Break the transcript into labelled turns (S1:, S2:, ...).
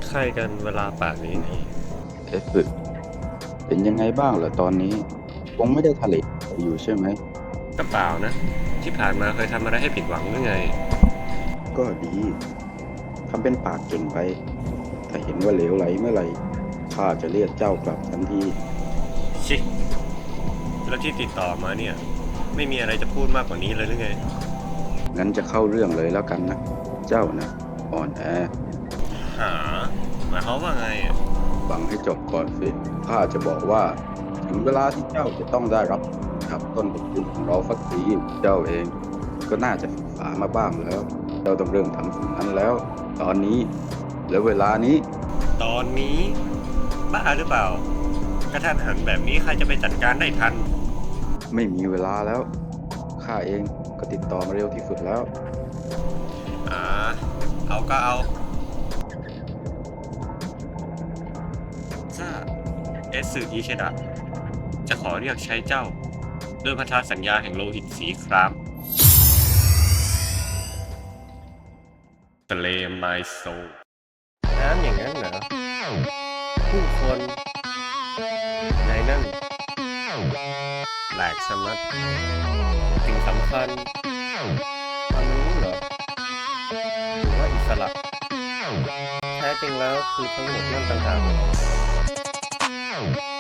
S1: ใครกันเวลาป่านนี้นี่
S2: เอฟสึเป็นยังไงบ้างเหรอตอนนี้คงไม่ได้ทะเลอยู่ใช่ไหม
S1: กระเป๋านะที่ผ่านมาเคยทำอะไรให้ผิดหวังหรือไง
S2: ก็ดีทำเป็นปากเก่งไปถ้าเห็นว่าเหลวไหลเมื่อไหร่ข้าจะเรียกเจ้ากลับทันที
S1: ชิแล้วที่ติดต่อมาเนี่ยไม่มีอะไรจะพูดมากกว่านี้เลยหรือไง
S2: งั้นจะเข้าเรื่องเลยแล้วกันนะเจ้านะอ่อนแอ
S1: หาหมายความว่าไง
S2: ฟังให้จบก่อนสิข้าจะบอกว่าถึงเวลาที่เจ้าจะต้องได้รับกับต้นบทเรียนของเราสักทีเจ้าเองก็น่าจะศึกษามาบ้างแล้วเจ้าต้องเริ่มทำสิ่งนั้นแล้วตอนนี้และเวลานี้
S1: ตอนนี้บ้าหรือเปล่ากระทันหันแบบนี้ใครจะไปจัดการได้ทัน
S2: ไม่มีเวลาแล้วข้าเองก็ติดต่อมาเร็วที่สุดแล้ว
S1: อ่าเอาก็เอาถ้าเอสสึอิเชดะจะขอเรียกใช้เจ้าด้วยพันธสัญญาแห่งโลหิตสีครามเลมไมโซน้ำอย่างนั้นเหรอผู้คนในนั่นแหลกชะมัดสิ่งสำคัญความรู้เหรอหรือว่าอิสระแท้จริงแล้วคือทั้งหมดนั่นต่างหาก